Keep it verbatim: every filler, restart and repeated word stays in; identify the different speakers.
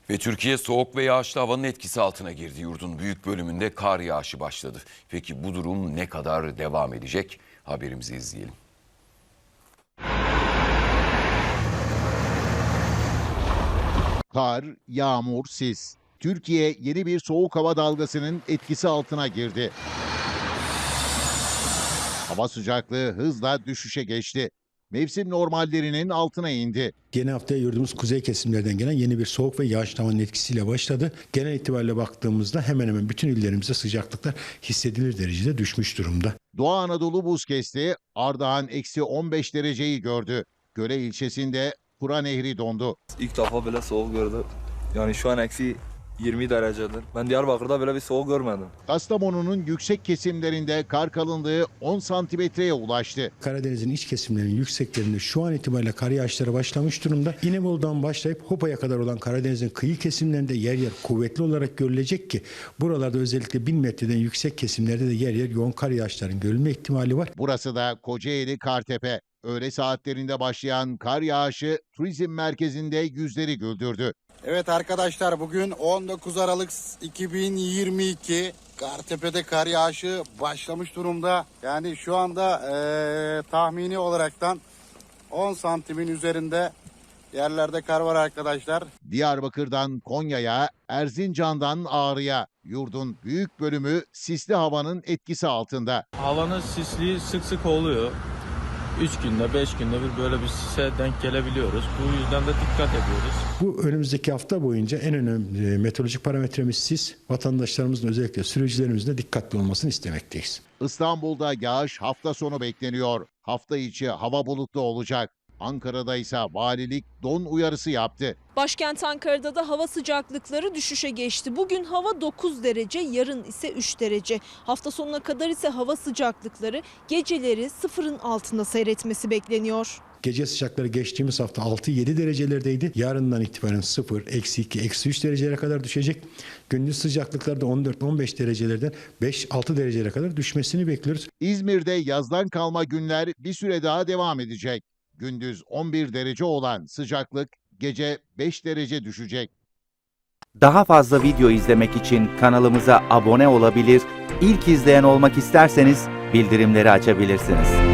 Speaker 1: Ve Türkiye soğuk ve yağışlı havanın etkisi altına girdi. Yurdun büyük bölümünde kar yağışı başladı. Peki bu durum ne kadar devam edecek? Haberimizi izleyelim.
Speaker 2: Kar, yağmur, sis. Türkiye yeni bir soğuk hava dalgasının etkisi altına girdi. Hava sıcaklığı hızla düşüşe geçti. Mevsim normallerinin altına indi.
Speaker 3: Yeni haftaya yurdumuz kuzey kesimlerden gelen yeni bir soğuk ve yağışlı havanın etkisiyle başladı. Genel itibariyle baktığımızda hemen hemen bütün illerimizde sıcaklıklar hissedilir derecede düşmüş durumda.
Speaker 2: Doğu Anadolu buz kesti, Ardahan eksi on beş dereceyi gördü. Göle ilçesinde Kura Nehri dondu.
Speaker 4: İlk defa böyle soğuk gördüm. Yani şu an eksi yirmi derecedir. Ben Diyarbakır'da böyle bir soğuk görmedim.
Speaker 2: Kastamonu'nun yüksek kesimlerinde kar kalınlığı on santimetreye ulaştı.
Speaker 3: Karadeniz'in iç kesimlerinin yükseklerinde şu an itibariyle kar yağışları başlamış durumda. İnebolu'dan başlayıp Hopa'ya kadar olan Karadeniz'in kıyı kesimlerinde yer yer kuvvetli olarak görülecek ki buralarda özellikle bin metreden yüksek kesimlerde de yer yer yoğun kar yağışlarının görülme ihtimali var.
Speaker 2: Burası da Kocaeli Kartepe. Öğle saatlerinde başlayan kar yağışı turizm merkezinde yüzleri güldürdü.
Speaker 5: Evet arkadaşlar, bugün on dokuz Aralık iki bin yirmi iki. Kartepe'de kar yağışı başlamış durumda. Yani şu anda ee, tahmini olaraktan on santimin üzerinde yerlerde kar var arkadaşlar.
Speaker 2: Diyarbakır'dan Konya'ya, Erzincan'dan Ağrı'ya yurdun büyük bölümü sisli havanın etkisi altında.
Speaker 6: Havanın sisliği sık sık oluyor. üç günde beş günde bir böyle bir sise denk gelebiliyoruz. Bu yüzden de dikkat ediyoruz.
Speaker 3: Bu önümüzdeki hafta boyunca en önemli meteorolojik parametremiz sis. Vatandaşlarımızın özellikle sürücülerimizin de dikkatli olmasını istemekteyiz.
Speaker 2: İstanbul'da yağış hafta sonu bekleniyor. Hafta içi hava bulutlu olacak. Ankara'da ise valilik don uyarısı yaptı.
Speaker 7: Başkent Ankara'da da hava sıcaklıkları düşüşe geçti. Bugün hava dokuz derece, yarın ise üç derece. Hafta sonuna kadar ise hava sıcaklıkları geceleri sıfırın altında seyretmesi bekleniyor.
Speaker 3: Gece sıcakları geçtiğimiz hafta altı yedi derecelerdeydi. Yarından itibaren sıfır, eksi iki, eksi üç derecelere kadar düşecek. Gündüz sıcaklıklarda on dört on beş derecelerden beş altı derecelere kadar düşmesini bekliyoruz.
Speaker 2: İzmir'de yazdan kalma günler bir süre daha devam edecek. Gündüz on bir derece olan sıcaklık gece beş derece düşecek.
Speaker 8: Daha fazla video izlemek için kanalımıza abone olabilir, ilk izleyen olmak isterseniz bildirimleri açabilirsiniz.